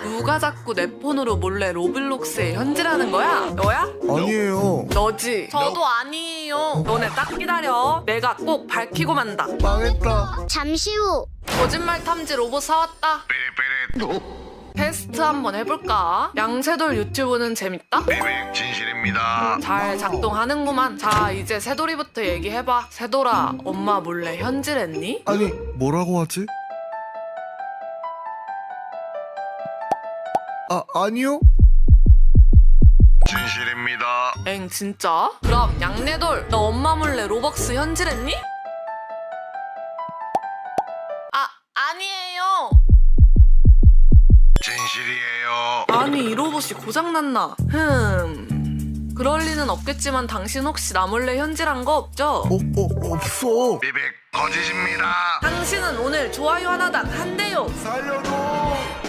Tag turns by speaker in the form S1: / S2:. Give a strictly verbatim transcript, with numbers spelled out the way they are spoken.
S1: 누가 자꾸 내 폰으로 몰래 로블록스에 현질하는 거야? 너야?
S2: 아니에요.
S1: 너지? 저도 아니에요. 너네 딱 기다려. 내가 꼭 밝히고 만다.
S2: 망했다.
S3: 잠시 후
S1: 거짓말 탐지 로봇 사왔다. 테스트 한번 해볼까? 양세돌 유튜브는 재밌다?
S4: 비백 진실입니다.
S1: 잘 작동하는구만. 자, 이제 새돌이부터 얘기해봐. 새돌아, 엄마 몰래 현질했니?
S2: 아니 뭐라고 하지? 아 아니요.
S4: 진실입니다.
S1: 엥, 진짜? 그럼 양내돌, 너 엄마 몰래 로벅스 현질했니? 아, 아니에요.
S4: 진실이에요.
S1: 아니, 이 로봇이 고장났나? 흠... 그럴 리는 없겠지만 당신 혹시 나 몰래 현질한 거 없죠?
S2: 어, 어 없어.
S4: 비백 거짓입니다.
S1: 당신은 오늘 좋아요 하나당 한 대요.
S2: 살려줘.